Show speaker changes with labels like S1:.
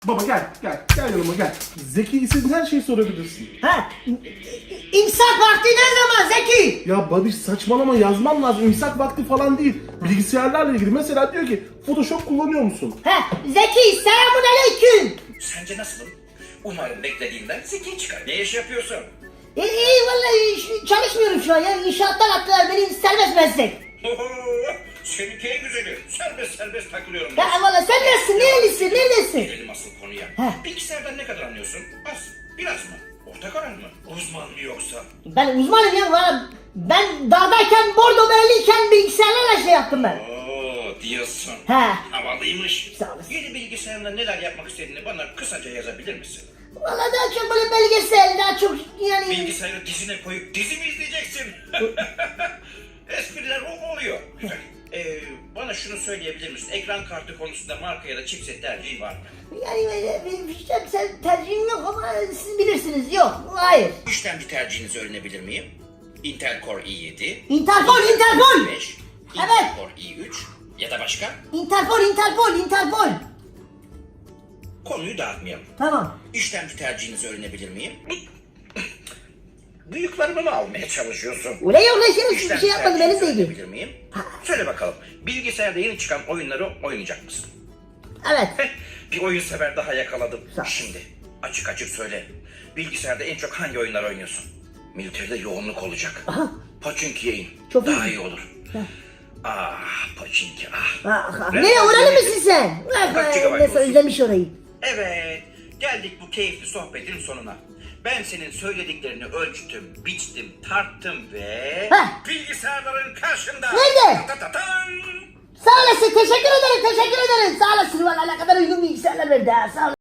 S1: Baba gel yanıma gel. Zeki istediğin her şeyi sorabilirsin.
S2: Ha? İmsak vakti ne zaman Zeki?
S1: Ya Babiş saçmalama, yazman lazım. İmsak vakti falan değil. Bilgisayarlarla ilgili mesela diyor ki Photoshop kullanıyor musun?
S2: Ha? Zeki selamünaleyküm.
S3: Sence nasılım? Umarım beklediğinden zeki çıkar. Ne iş yapıyorsun?
S2: İyi vallahi çalışmıyorum şu an ya. İnşaattan attılar beni, serbest meslek.
S3: Seninki en güzeli. Serbest takılıyorum.
S2: Ya vallahi sen neresin? Neredesin?
S3: Gelelim asıl konuya.
S2: Heh.
S3: Bilgisayardan ne kadar anlıyorsun? Az. Biraz mı? Orta karar mı? Uzman mı yoksa?
S2: Ben uzmanım ya valla. Ben dağdayken, bordo bereliyken bilgisayarlarla şey yaptım ben.
S3: Oo diyorsun.
S2: He.
S3: Havalıymış.
S2: Sağ olasın.
S3: Yeni bilgisayarında neler yapmak istediğini bana kısaca yazabilir misin?
S2: Valla daha çok böyle belgesel, daha çok yani...
S3: Bilgisayarı dizine koyup dizi mi izleyeceksin? Espriler oluyor. Güzel. Bana şunu söyleyebilir misin? Ekran kartı konusunda marka ya da chipset tercihin var mı?
S2: Yani sen tercihim yok ama siz bilirsiniz. Yok, hayır.
S3: İşlemci tercihinizi öğrenebilir miyim? Intel Core i7,
S2: Interpol!
S3: i5, Intel
S2: Evet.
S3: Core i3 ya da başka?
S2: Interpol!
S3: Konuyu dağıtmayalım.
S2: Tamam.
S3: İşlemci tercihinizi öğrenebilir miyim? Bıyıklarımı mı almaya çalışıyorsun?
S2: Öyle yok lan şimdi bir
S3: İşlemci
S2: şey yapmadım, beni
S3: tercihinizi
S2: sevdi.
S3: öğrenebilir miyim? Söyle bakalım, bilgisayarda yeni çıkan oyunları oynayacak mısın?
S2: Evet.
S3: Bir oyun sever daha yakaladım.
S2: Sağ ol.
S3: Şimdi açık söyle. Bilgisayarda en çok hangi oyunlar oynuyorsun? Militeride yoğunluk olacak.
S2: Aha.
S3: Pachinki'ye in.
S2: Çok
S3: Daha
S2: iyi.
S3: iyi olur. Ah Pachinki ah.
S2: Ne oralı mısın sen?
S3: Kaç GB
S2: Nasıl
S3: olsun?
S2: özlemiş orayı.
S3: Evet, geldik bu keyifli sohbetin sonuna. Ben senin söylediklerini ölçtüm, biçtim, tarttım ve...
S2: Heh.
S3: Bilgisayarların karşında...
S2: Nerede?
S3: Ta-ta-tan!
S2: Sağ olasın, teşekkür ederim. Sağ olasın, valla ne kadar uygun bilgisayarlar verdi ha, sağ olasın.